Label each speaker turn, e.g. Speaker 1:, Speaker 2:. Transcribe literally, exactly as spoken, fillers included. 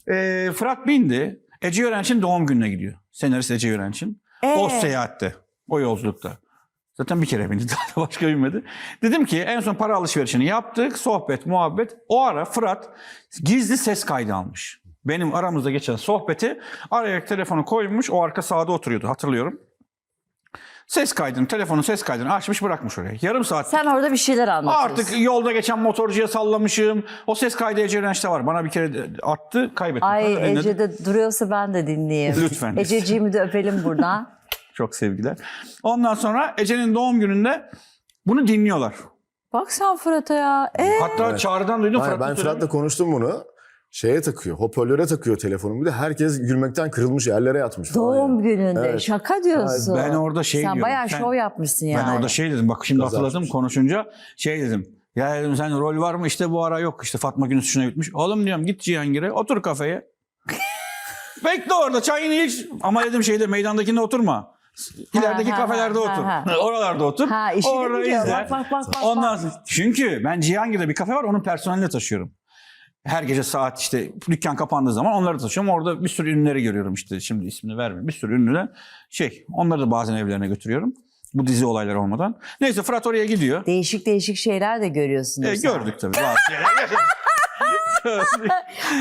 Speaker 1: Ee, Fırat bindi. Ece Yörenç'in doğum gününe gidiyor. Senarist Ece Yörenç'in.
Speaker 2: Ee?
Speaker 1: O seyahatte. O yolculukta. Zaten bir kere bindi. Daha da başka binmedi. Dedim ki en son para alışverişini yaptık. Sohbet, muhabbet. O ara Fırat gizli ses kaydı almış. Benim aramızda geçen sohbeti araya telefonu koymuş. O arka sağda oturuyordu, hatırlıyorum. Ses kaydını, telefonun ses kaydını açmış, bırakmış oraya. Yarım saat.
Speaker 2: Sen orada bir şeyler anlatıyorsun.
Speaker 1: Artık yolda geçen motorcuya sallamışım. O ses kaydı Ece Yörenç'te var. Bana bir kere attı, kaybettim.
Speaker 2: Ay
Speaker 1: Sonra dinledim.
Speaker 2: Ece'de duruyorsa ben de dinleyeyim.
Speaker 1: Lütfen.
Speaker 2: Ececiğimi de öpelim buradan.
Speaker 1: Çok sevgiler. Ondan sonra Ece'nin doğum gününde bunu dinliyorlar.
Speaker 2: Bak sen Fırat'a ya. Ee?
Speaker 1: Hatta
Speaker 3: Evet.
Speaker 1: Çağrı'dan duydum.
Speaker 3: Hayır,
Speaker 1: Fırat'ın
Speaker 3: ben
Speaker 1: söylediğini.
Speaker 3: Fırat'la konuştum bunu. Şeye takıyor, hoparlöre takıyor telefonu. Bir de herkes gülmekten kırılmış, yerlere yatmış falan.
Speaker 2: Doğum
Speaker 3: yani.
Speaker 2: gününde.
Speaker 3: Evet.
Speaker 2: Şaka diyorsun.
Speaker 1: Ben orada şey
Speaker 2: sen
Speaker 1: diyorum.
Speaker 2: bayağı
Speaker 1: sen-
Speaker 2: şov yapmışsın yani.
Speaker 1: Ben orada şey dedim. Bak şimdi
Speaker 3: Gaza
Speaker 1: hatırladım
Speaker 3: açmış.
Speaker 1: konuşunca. Şey dedim. Ya dedim sen rol var mı? İşte bu ara yok. İşte Fatma Günüz şuna bitmiş. Oğlum diyorum git Cihangir'e otur kafeye. Bekle orada çayını iç. Ama dedim şeyde meydandakinde oturma. İlerideki
Speaker 2: ha,
Speaker 1: kafelerde
Speaker 2: ha,
Speaker 1: otur.
Speaker 2: ha.
Speaker 1: Oralarda otur.
Speaker 2: Ha işini
Speaker 1: Orada
Speaker 2: biliyor.
Speaker 1: izle.
Speaker 2: Bak bak bak. bak,
Speaker 1: Ondan
Speaker 2: bak.
Speaker 1: sonra, çünkü ben Cihangir'de bir kafe var, onun personelini taşıyorum. Her gece saat işte dükkan kapandığı zaman onları taşıyorum. Orada bir sürü ünlüleri görüyorum işte, şimdi ismini vermeyeyim. Bir sürü ünlüler şey, onları da bazen evlerine götürüyorum. Bu dizi olayları olmadan. Neyse Fırat oraya gidiyor.
Speaker 2: Değişik değişik şeyler de görüyorsunuz.
Speaker 1: E, gördük tabii bazı şeyler.